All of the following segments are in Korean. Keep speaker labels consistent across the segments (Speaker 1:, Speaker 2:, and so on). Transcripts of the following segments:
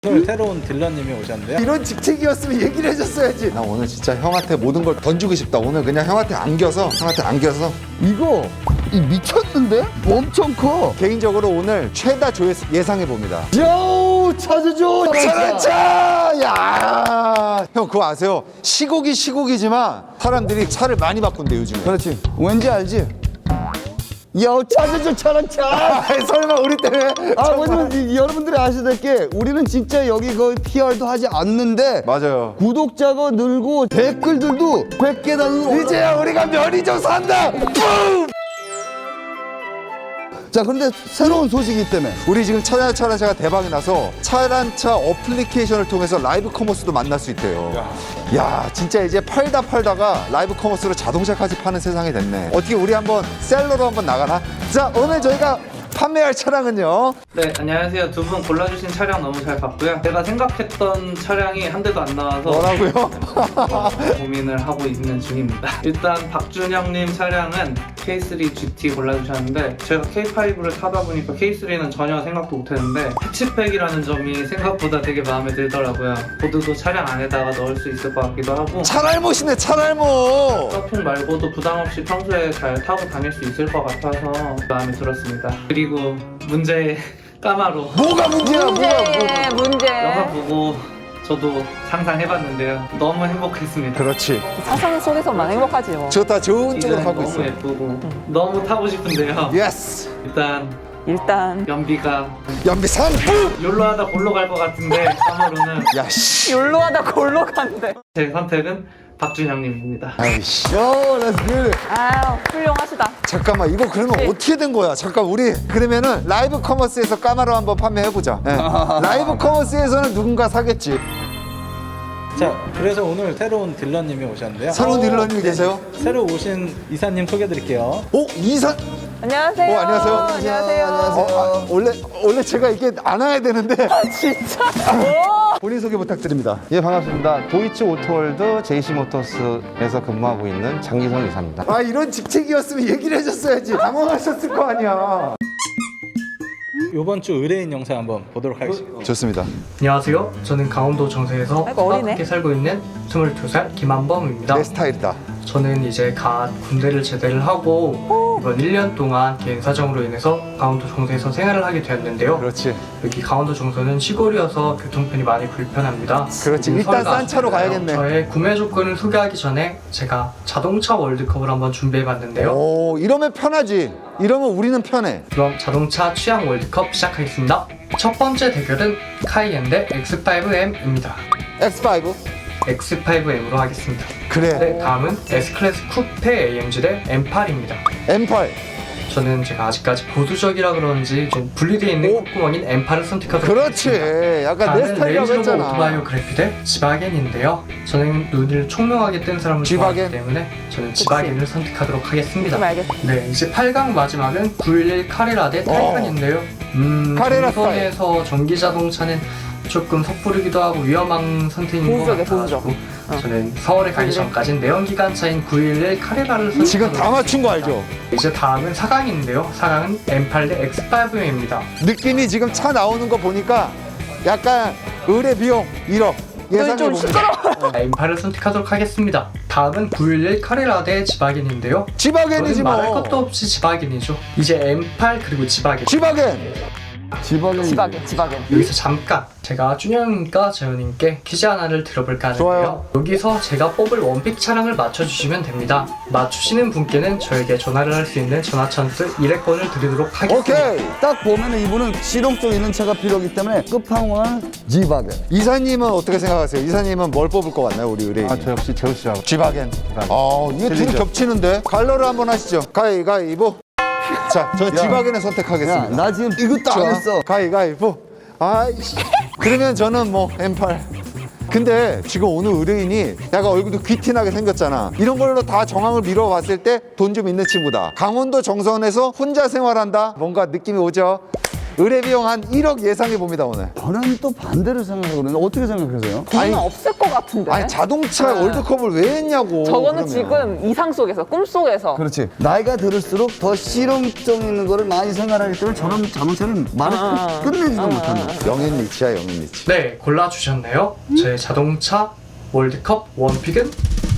Speaker 1: 오늘 새로운 딜러님이 오셨는데요.
Speaker 2: 이런 직책이었으면 얘기를 해줬어야지. 나 오늘 진짜 형한테 모든 걸 던지고 싶다. 오늘 그냥 형한테 안겨서
Speaker 3: 이거 미쳤는데? 엄청 커.
Speaker 2: 개인적으로 오늘 최다 조회수 예상해 봅니다.
Speaker 3: 요 찾아줘.
Speaker 2: 차라차! 야! 형 그거 아세요? 시국이지만 사람들이 차를 많이 바꾼대 요즘에.
Speaker 3: 그렇지. 왠지 알지? 요 찾아줘 차라차.
Speaker 2: 설마 우리 때문에?
Speaker 3: 왜냐면 여러분들이 아셔야 될 게 우리는 진짜 여기 거의 PR도 하지 않는데
Speaker 2: 맞아요.
Speaker 3: 구독자가 늘고 댓글들도 100개 단위로
Speaker 2: 이제야 우리가 면이좀 산다.
Speaker 3: 자, 그런데 새로운 소식이기 때문에
Speaker 2: 우리 지금 차란차가 대박이 나서 차란차 어플리케이션을 통해서 라이브 커머스도 만날 수 있대요. 야, 진짜 이제 팔다가 라이브 커머스로 자동차까지 파는 세상이 됐네. 어떻게 우리 한번 셀러로 한번 나가나? 자, 오늘 저희가 판매할 차량은요.
Speaker 4: 네, 안녕하세요. 두 분 골라주신 차량 너무 잘 봤고요. 제가 생각했던 차량이 한 대도 안 나와서
Speaker 2: 뭐라고요?
Speaker 4: 고민을 하고 있는 중입니다. 일단 박준영님 차량은 K3 GT 골라주셨는데 제가 K5를 타다 보니까 K3는 전혀 생각도 못했는데 패치팩이라는 점이 생각보다 되게 마음에 들더라고요. 보드도 차량 안에다가 넣을 수 있을 것 같기도 하고
Speaker 2: 차랄못이네, 차랄못.
Speaker 4: 서핑 말고도 부담없이 평소에 잘 타고 다닐 수 있을 것 같아서 마음에 들었습니다. 그리고 문제의 까마로
Speaker 2: 뭐가 문제야,
Speaker 5: 문제.
Speaker 4: 영화 보고 저도 상상해봤는데요. 너무 행복했습니다.
Speaker 2: 그렇지.
Speaker 5: 상상 속에서만 행복하지 뭐.
Speaker 2: 저 다 좋은 쪽으로
Speaker 4: 디자인
Speaker 2: 가고
Speaker 4: 너무
Speaker 2: 있어.
Speaker 4: 예쁘고 너무 타고 싶은데요.
Speaker 2: 예스.
Speaker 5: 일단
Speaker 4: 연비가
Speaker 2: 연비산.
Speaker 4: 욜로 하다 골로 갈 것 같은데 까마로는
Speaker 2: 야, 씨.
Speaker 5: 욜로하다 골로 간대.
Speaker 4: 제 선택은 박준영님입니다.
Speaker 2: 아이씨.
Speaker 3: 요, 렛츠 기.
Speaker 5: 아유, 훌륭하시다.
Speaker 2: 잠깐만, 이거 그러면
Speaker 5: 네.
Speaker 2: 어떻게 된 거야? 잠깐, 우리 그러면은 라이브 커머스에서 까마로 한번 판매해보자. 예. 라이브 커머스에서는 누군가 사겠지.
Speaker 1: 자, 그래서 오늘 새로운 딜러님이 오셨는데요.
Speaker 2: 새로운 딜러님이 계세요?
Speaker 1: 새로 오신 이사님 소개드릴게요.
Speaker 2: 오, 이사.
Speaker 5: 안녕하세요.
Speaker 2: 안녕하세요.
Speaker 5: 안녕하세요.
Speaker 2: 원래 제가 이게 안 와야 되는데.
Speaker 5: 진짜.
Speaker 2: 본인 소개 부탁드립니다.
Speaker 6: 예, 반갑습니다. 도이치 오토월드 JC모터스에서 근무하고 있는 장기성 이사입니다.
Speaker 2: 아, 이런 직책이었으면 얘기를 해줬어야지. 당황하셨을 거 아니야.
Speaker 1: 이번 주 의뢰인 영상 한번 보도록 하겠습니다.
Speaker 2: 좋습니다.
Speaker 4: 안녕하세요. 저는 강원도 정세에서
Speaker 5: 아이고, 어리네.
Speaker 4: 따뜻하게 살고 있는 22살 김한범입니다.
Speaker 2: 내 스타일이다.
Speaker 4: 저는 이제 갓 군대를 제대를 하고 이번 1년 동안 개인 사정으로 인해서 강원도 정서에서 생활을 하게 되었는데요.
Speaker 2: 그렇지.
Speaker 4: 여기 강원도 정서는 시골이어서 교통편이 많이 불편합니다.
Speaker 2: 그렇지.
Speaker 4: 그리고
Speaker 2: 일단
Speaker 4: 서울가
Speaker 2: 싼 차로
Speaker 4: 아쉽잖아요.
Speaker 2: 가야겠네.
Speaker 4: 저의 구매 조건을 소개하기 전에 제가 자동차 월드컵을 한번 준비해봤는데요.
Speaker 2: 오, 이러면 편하지. 이러면 우리는 편해.
Speaker 4: 그럼 자동차 취향 월드컵 시작하겠습니다. 첫 번째 대결은 카이엔 대 X5M입니다.
Speaker 2: X5.
Speaker 4: X5M으로 하겠습니다.
Speaker 2: 그래.
Speaker 4: 네, 다음은 S클래스 쿠페 AMG 대 M8입니다.
Speaker 2: M8.
Speaker 4: 저는 제가 아직까지 보수적이라 그런지 좀 분리되어 있는 콧구멍인 M8을 선택하도록
Speaker 2: 그렇지.
Speaker 4: 하겠습니다.
Speaker 2: 약간 내
Speaker 4: 다음은
Speaker 2: 스타일이라고
Speaker 4: 레인지로버
Speaker 2: 했잖아.
Speaker 4: 오토바이오그래피 대 지바겐인데요. 저는 눈을 총명하게 뜬 사람을
Speaker 2: 지바겐.
Speaker 4: 좋아하기 때문에 저는 지바겐을 선택하도록 하겠습니다.
Speaker 5: 좀 알겠어.
Speaker 4: 네, 이제 8강 마지막은 911 카레라 대 타이칸인데요.
Speaker 2: 카레라
Speaker 4: 정선에서 전기 자동차는 조금 섣부르기도 하고 위험한 선택인 것
Speaker 5: 보수적이야,
Speaker 4: 같아가지고 저는 서울에 가기 전까지는 내연기관차인 911 카레라를 선택하도록
Speaker 2: 지금 다 맞춘 거 알죠?
Speaker 4: 이제 다음은 4강인데요. 4강은 M8 대 X5M입니다.
Speaker 2: 느낌이 지금 차 나오는 거 보니까 약간 의뢰 비용 1억 예상해
Speaker 5: 좀
Speaker 2: 봅니다.
Speaker 4: M8을 선택하도록 하겠습니다. 다음은 911 카레라 대 지바겐인데요.
Speaker 2: 지바겐이지
Speaker 4: 저는 말할
Speaker 2: 뭐.
Speaker 4: 것도 없이 지바겐이죠. 이제 M8 그리고 지바겐.
Speaker 2: 지바겐.
Speaker 5: 지박엔.
Speaker 4: 여기서 잠깐 제가 준영님과 재현님께 퀴즈 하나를 들어볼까 하는데요.
Speaker 2: 좋아요.
Speaker 4: 여기서 제가 뽑을 원픽 차량을 맞춰주시면 됩니다. 맞추시는 분께는 저에게 전화를 할 수 있는 전화 찬스 1회권을 드리도록 하겠습니다.
Speaker 2: 오케이.
Speaker 3: 딱 보면은 이분은 실용성 있는 차가 필요하기 때문에 끝판왕은 지바겐.
Speaker 2: 이사님은 어떻게 생각하세요? 이사님은 뭘 뽑을 것 같나요, 우리 의뢰인?
Speaker 6: 저 역시 제우씨하고
Speaker 2: 지바겐. 이게 둘이
Speaker 6: 틀리죠.
Speaker 2: 겹치는데 갈러를 한번 하시죠. 가위가위보. 자, 저 지바겐을
Speaker 3: 야,
Speaker 2: 선택하겠습니다.
Speaker 3: 나 지금 이것도 안 했어.
Speaker 2: 가위가위보. 아이씨. 그러면 저는 뭐 M8. 근데 지금 오늘 의뢰인이 약간 얼굴도 귀티나게 생겼잖아. 이런 걸로 다 정황을 미뤄봤을 때 돈 좀 있는 친구다. 강원도 정선에서 혼자 생활한다. 뭔가 느낌이 오죠? 의뢰 비용 한 1억 예상해 봅니다 오늘.
Speaker 3: 저는 또 반대로 생각하거든요. 어떻게 생각하세요?
Speaker 5: 돈은 없을 것 같은데.
Speaker 2: 아니 자동차 월드컵을 왜 했냐고.
Speaker 5: 저거는
Speaker 2: 그러면.
Speaker 5: 지금 이상 속에서, 꿈 속에서.
Speaker 3: 그렇지. 나이가 들을수록 더 실용성 있는 거를 많이 생각하기 때문에 저런 자동차는 말을 끝내지도 못한다.
Speaker 2: 영앤 리치야 영앤 리치.
Speaker 4: 네, 골라주셨네요. 제 자동차 월드컵 원픽은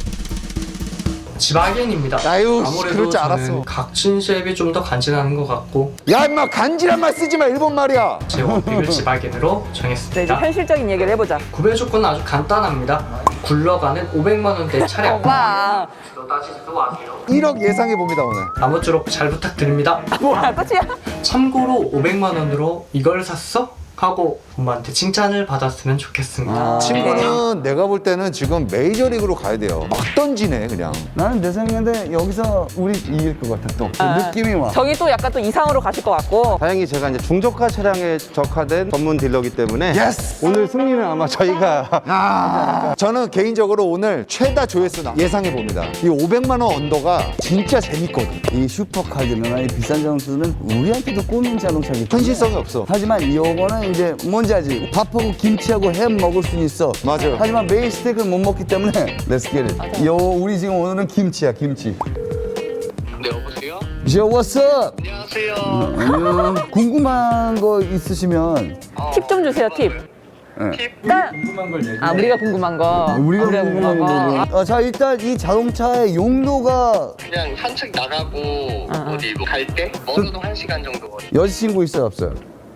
Speaker 4: 지바겐입니다.
Speaker 2: 아유,
Speaker 4: 아무래도
Speaker 2: 그럴 줄
Speaker 4: 저는
Speaker 2: 알았어.
Speaker 4: 각진 쉐입이 좀 더 간지나는 것 같고
Speaker 2: 야 임마 간지란 말 쓰지 마 일본 말이야.
Speaker 4: 제 원픽을 지바겐으로
Speaker 5: 네, 이제
Speaker 4: 정했습니다.
Speaker 5: 현실적인 얘기를 해보자.
Speaker 4: 구매 조건은 아주 간단합니다. 굴러가는 500만 원대 차량.
Speaker 5: 와,
Speaker 4: 따지지도 마세요.
Speaker 2: 1억 예상해 봅니다 오늘.
Speaker 4: 아무쪼록 잘 부탁드립니다.
Speaker 5: 뭐야, 끝이야?
Speaker 4: 참고로 500만 원으로 이걸 샀어? 하고 부모한테 칭찬을 받았으면 좋겠습니다.
Speaker 2: 친구는 내가 볼 때는 지금 메이저리그로 가야 돼요. 막 던지네 그냥.
Speaker 3: 나는 내 생각인데 여기서 우리 이길 것 같아 또. 느낌이 와.
Speaker 5: 저기 또 약간 또 이상으로 가실 것 같고.
Speaker 6: 다행히 제가 이제 중저가 차량에 적화된 전문 딜러기 때문에
Speaker 2: 예스!
Speaker 6: 오늘 승리는 아마 저희가
Speaker 2: 저는 개인적으로 오늘 최다 조회수 예상해 봅니다. 이 500만 원 언더가 진짜 재밌거든.
Speaker 3: 이 슈퍼카들이나 이 비싼 자동차들은 우리한테도 꼬민 자동차기 때문에
Speaker 2: 현실성이 없어.
Speaker 3: 하지만 요거는 이제 뭔지 알지? 밥하고 김치하고 햄 먹을 수는 있어.
Speaker 2: 맞아요.
Speaker 3: 하지만 메인 스테이크를 못 먹기 때문에 Let's get it. 요 우리 지금 오늘은 김치야 김치.
Speaker 7: 네, 여보세요?
Speaker 3: Yo, what's up?
Speaker 7: 안녕하세요.
Speaker 3: 안녕. 궁금한 거 있으시면
Speaker 5: 팁 좀 주세요, 팁. 일단,
Speaker 1: 궁금한 걸 얘기해.
Speaker 5: 우리가 궁금한 거.
Speaker 3: 우리가 궁금한 거. 자 일단 이 자동차의 용도가
Speaker 7: 그냥 산책 나가고 어디 뭐 갈 때 멀어도 1시간 정도
Speaker 3: 여자친구 있어요 없어요?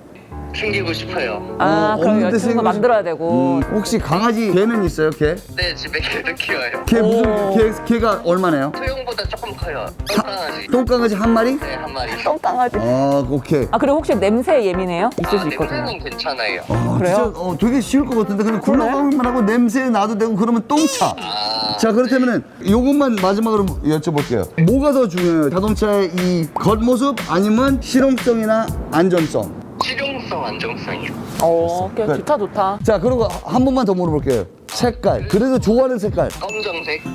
Speaker 7: 챙기고 싶어요.
Speaker 5: 아, 그럼
Speaker 3: 없는데
Speaker 5: 여친구
Speaker 3: 생각-
Speaker 5: 만들어야 되고.
Speaker 3: 혹시 강아지 개는 있어요 개?
Speaker 7: 네, 집에 개도 키워요.
Speaker 3: 개 무슨 개가 얼마나요?
Speaker 7: 소형보다 조금 커요. 똥강아지.
Speaker 3: 똥강아지 한 마리?
Speaker 7: 네, 한 마리.
Speaker 5: 똥강아지.
Speaker 3: 아 오케이.
Speaker 5: 아, 그리고 혹시 냄새 예민해요? 있을 수 있거든요.
Speaker 7: 냄새는 괜찮아요.
Speaker 3: 아,
Speaker 5: 그래요?
Speaker 3: 진짜 되게 쉬울 것 같은데 그냥 굴러가기만 하고 냄새 나도 되고 그러면 똥차. 자 그렇다면은 요것만 마지막으로 여쭤볼게요. 뭐가 더 중요해요? 자동차의 이 겉모습 아니면 실용성이나 안전성?
Speaker 7: 실용성, 안정성이요.
Speaker 5: 오케이, 좋다, 좋다.
Speaker 3: 자 그리고 한 번만 더 물어볼게요. 색깔. 그래도 좋아하는 색깔.
Speaker 7: 검정색.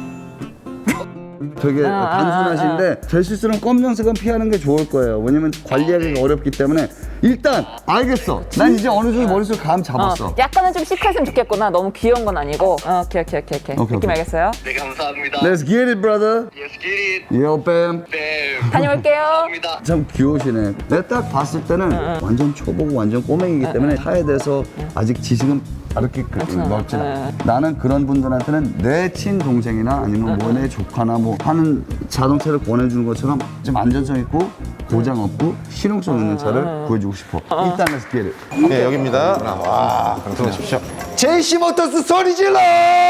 Speaker 3: 되게
Speaker 5: 아,
Speaker 3: 단순하신데 제 실수는 검정색은 피하는 게 좋을 거예요. 왜냐면 관리하기가 어렵기 때문에 일단 알겠어. 난 이제 어느 정도 머릿속에 감 잡았어.
Speaker 5: 약간은 좀 시크했으면 좋겠구나. 너무 귀여운 건 아니고. 오케이. 느낌
Speaker 3: 오케이.
Speaker 5: 알겠어요?
Speaker 7: 네, 감사합니다.
Speaker 3: Let's get it, brother.
Speaker 7: Yes, get it.
Speaker 3: Yo, bam.
Speaker 7: 네,
Speaker 5: 다녀올게요.
Speaker 7: 감사합니다.
Speaker 3: 참 귀여우시네. 내가 딱 봤을 때는 완전 초보고 완전 꼬맹이기 때문에 차에 대해서 아직 지식은 그렇게 넓지 않아. 나는 그런 분들한테는 내 친동생이나 아니면 뭐 내 조카나 뭐 하는 자동차를 권해주는 것처럼 좀 안전성 있고 고장 없고 실용성 있는 차를 구해주고 싶어. 일단 let's get it.
Speaker 6: 네, 여기입니다. 와, 들어오십시오.
Speaker 2: 제이시 모터스 소리 질러!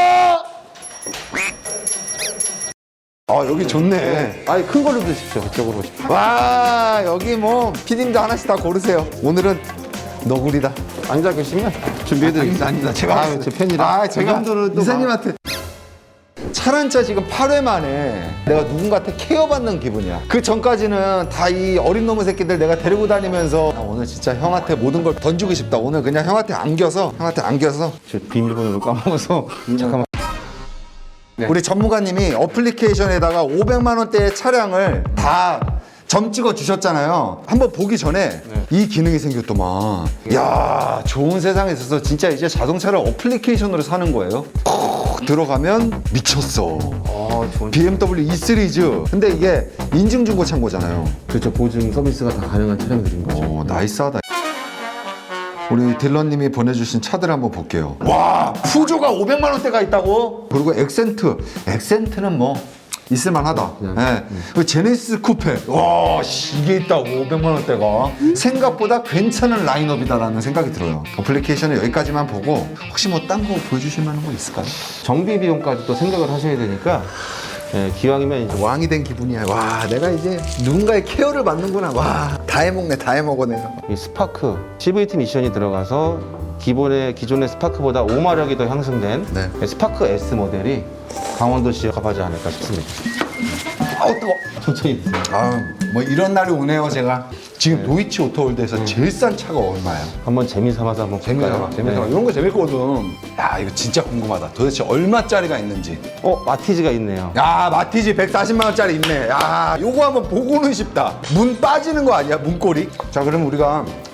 Speaker 2: 아 여기 좋네.
Speaker 6: 아니 큰 걸로 드십시오. 그쪽으로 오십시오.
Speaker 2: 와 여기 뭐 피디님도 하나씩 다 고르세요. 오늘은 너구리다.
Speaker 6: 앉아 계시면 준비해드리겠습니다.
Speaker 2: 아닙니다. 제가
Speaker 6: 아, 제 팬이라.
Speaker 2: 아 제가
Speaker 6: 그 정도는 또
Speaker 2: 이사님한테 차란차 지금 8회 만에 내가 누군가한테 케어받는 기분이야. 그 전까지는 다 이 어린 놈의 새끼들 내가 데리고 다니면서 야, 오늘 진짜 형한테 모든 걸 던지고 싶다. 오늘 그냥 형한테 안겨서
Speaker 6: 제 비밀번호를 까먹어서 잠깐만.
Speaker 2: 우리 전무관님이 어플리케이션에다가 500만 원대의 차량을 다 점 찍어 주셨잖아요. 한번 보기 전에 이 기능이 생겼더만. 야, 좋은 세상에 있어서 진짜 이제 자동차를 어플리케이션으로 사는 거예요. 들어가면 미쳤어.
Speaker 6: 좋은.
Speaker 2: BMW E 시리즈. 근데 이게 인증 중고 창고잖아요.
Speaker 6: 그렇죠. 보증 서비스가 다 가능한 차량들인 거죠.
Speaker 2: 오, 나이스하다. 우리 딜러님이 보내주신 차들 한번 볼게요. 와, 푸조가 500만 원대가 있다고? 그리고 엑센트는 뭐 있을만하다. 예. 그 제네시스 쿠페. 와, 씨, 이게 있다고 500만 원대가. 생각보다 괜찮은 라인업이다라는 생각이 들어요. 어플리케이션을 여기까지만 보고 혹시 뭐 딴 거 보여주실 만한 거 있을까요?
Speaker 6: 정비 비용까지 또 생각을 하셔야 되니까 예, 기왕이면 이제
Speaker 2: 왕이 된 기분이야. 와, 내가 이제 누군가의 케어를 받는구나. 와, 다 해먹네, 다 해먹어 내가.
Speaker 6: 이 스파크 CVT 미션이 들어가서 기존의 스파크보다 5마력이 더 향상된
Speaker 2: 네.
Speaker 6: 스파크 S 모델이 강원도시에 가봐지 않을까 싶습니다.
Speaker 2: 아우 뜨거.
Speaker 6: 천천히.
Speaker 2: 아, 뭐 이런 날이 오네요, 제가. 지금 도이치 오토월드에서 제일 싼 차가 얼마예요?
Speaker 6: 한번 재미삼아서 한번 볼까요?
Speaker 2: 재미삼아. 이런 거 재밌거든. 야, 이거 진짜 궁금하다. 도대체 얼마짜리가 있는지.
Speaker 6: 마티즈가 있네요.
Speaker 2: 야, 마티즈 140만 원짜리 있네. 야, 요거 한번 보고는 싶다. 문 빠지는 거 아니야, 문고리? 자, 그럼 우리가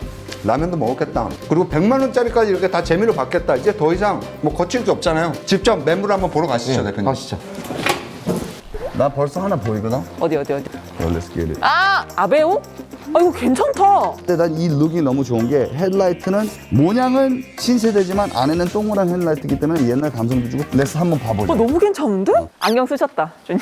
Speaker 2: 라면도 먹었겠다. 그리고 100만 원짜리까지 이렇게 다 재미로 받겠다. 이제 더 이상 뭐 거칠 게 없잖아요. 직접 매물 한번 보러 가시죠, 대표님.
Speaker 6: 가시죠.
Speaker 3: 나 벌써 하나 보이거든?
Speaker 5: 어디?
Speaker 3: Let's get it.
Speaker 5: 아, 아베오? 아, 이거 괜찮다.
Speaker 3: 근데 난 이 룩이 너무 좋은 게 헤드라이트는 모양은 신세대지만 안에는 동그란 헤드라이트이기 때문에 옛날 감성도 주고 렛츠 한번 봐보자.
Speaker 5: 너무 괜찮은데? 안경 쓰셨다, 준이.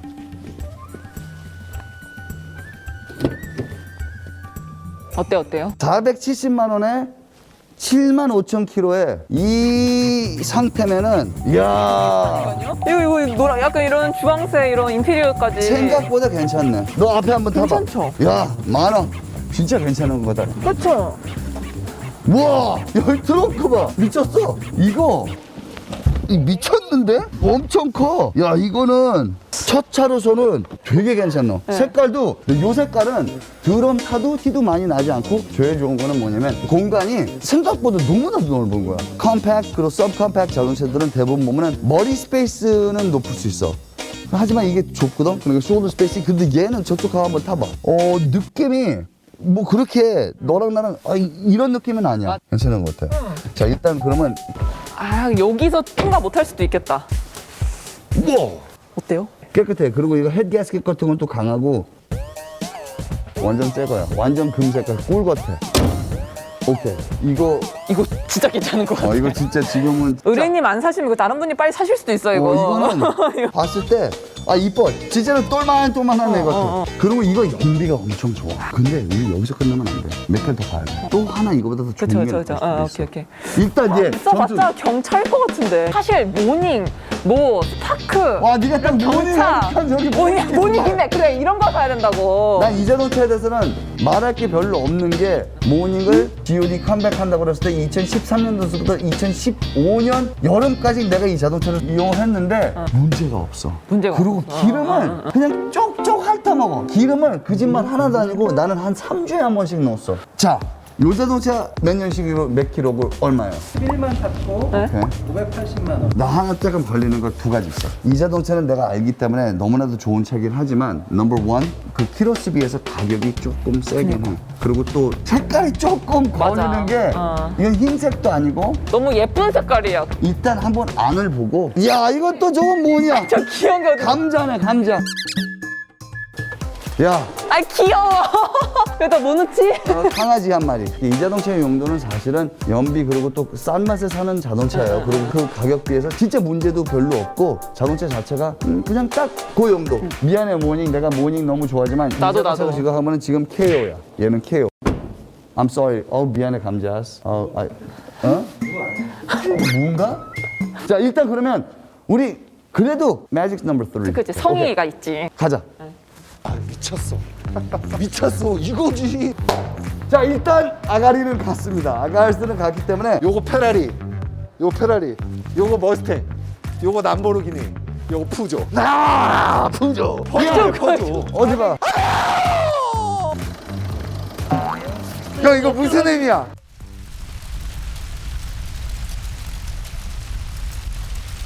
Speaker 5: 어때요?
Speaker 3: 470만 원에 7만 5천 킬로에 이 상태면은 이야
Speaker 5: 이거 노랑 약간 이런 주황색 이런 인테리어까지.
Speaker 3: 생각보다 괜찮네. 너 앞에 한번 타봐.
Speaker 5: 괜찮죠?
Speaker 3: 야, 10,000원. 진짜 괜찮은 거다.
Speaker 5: 그렇죠.
Speaker 3: 우와, 야, 이 트렁크 봐. 미쳤어. 이거 미쳤는데? 엄청 커. 야, 이거는 첫 차로서는 되게 괜찮노. 색깔도 요 색깔은 드럼 타도 티도 많이 나지 않고 제일 좋은 거는 뭐냐면 공간이 생각보다 너무나도 넓은 거야. 컴팩트 그리고 서브컴팩트 자동차들은 대부분 보면은 머리 스페이스는 높을 수 있어. 하지만 이게 좁거든. 그러니까 숄더 스페이스. 근데 얘는 저쪽 가서 한번 타봐. 느낌이 뭐 그렇게 너랑 나랑 이런 느낌은 아니야. 괜찮은 것 같아. 자, 일단 그러면
Speaker 5: 아, 여기서 통과 못할 수도 있겠다.
Speaker 3: 우와.
Speaker 5: 어때요?
Speaker 3: 깨끗해. 그리고 이거 헤드 가스켓 같은 건 또 강하고 완전 새 거야. 완전 금 색깔 꿀 같아. 오케이. 이거
Speaker 5: 이거 진짜 괜찮은 것 같아.
Speaker 3: 이거 진짜 지금은
Speaker 5: 의뢰님 안 사시면 이거 다른 분이 빨리 사실 수도 있어, 이거.
Speaker 3: 이거는 봤을 때 이뻐. 진짜로 똘만한 애 같아. 그리고 이거 연비가 엄청 좋아. 근데 우리 여기서 끝나면 안 돼. 몇 개 더 가야 돼. 또 하나 이거보다 더 좋은 게
Speaker 5: 그쵸.
Speaker 3: 나올 수도 있어.
Speaker 5: 오케이.
Speaker 3: 일단 얘
Speaker 5: 써봤자 경차일 것 같은데. 사실 모닝, 뭐 스파크,
Speaker 3: 와, 네가 딱
Speaker 5: 경차, 모닝이네. 그래, 이런 거 사야 된다고.
Speaker 3: 난 이 자동차에 대해서는 말할 게 별로 없는 게 모닝을 GOD 컴백한다고 그랬을 때 2013년도부터 2015년 여름까지 내가 이 자동차를 이용을 했는데 문제가 없어.
Speaker 5: 문제가
Speaker 3: 그리고 기름을 그냥 쪽쪽 핥아먹어. 기름을 그 집만 하나도 아니고 나는 한 3주에 한 번씩 넣었어. 자, 요 자동차 몇 년식으로 몇 킬로고 얼마예요?
Speaker 1: 1만 탔고
Speaker 3: 오케이.
Speaker 1: 580만 원.
Speaker 3: 나 하나 조금 걸리는 거 두 가지 있어. 이 자동차는 내가 알기 때문에 너무나도 좋은 차긴 하지만 넘버 원, 그 키로수 비해서 가격이 조금 세긴 해. 그리고 또 색깔이 조금
Speaker 5: 맞아.
Speaker 3: 걸리는 게 이건 흰색도 아니고
Speaker 5: 너무 예쁜 색깔이야.
Speaker 3: 일단 한번 안을 보고 야, 이것도 저건 뭐냐?
Speaker 5: 저 귀여운 게 어디.
Speaker 3: 감자네, 감자. 야,
Speaker 5: 아, 귀여워. 왜 나 뭐 넣지?
Speaker 3: 강아지 한 마리. 이 자동차의 용도는 사실은 연비 그리고 또 싼 맛에 사는 자동차예요. 그리고 그 가격 비해서 진짜 문제도 별로 없고 자동차 자체가 그냥 딱 그 용도. 미안해 모닝, 내가 모닝 너무 좋아하지만
Speaker 5: 나도.
Speaker 3: 이 자동차가 지금 하면은 지금 KO야. 얘는 KO. I'm sorry. 미안해 감자스. 뭔가? 자, 일단 그러면 우리 그래도 매직 넘버 3.
Speaker 5: 그치, 성의가 있지.
Speaker 3: 가자. 미쳤어. 미쳤어. 이거지. 자, 일단 아가리는 갔습니다. 아가리는 갔기 때문에
Speaker 2: 요거 페라리, 요거 머스탱, 요거 람보르기니, 요거 푸조. 푸조. 푸조.
Speaker 3: 어디 봐.
Speaker 2: 형 이거 무슨 의미야?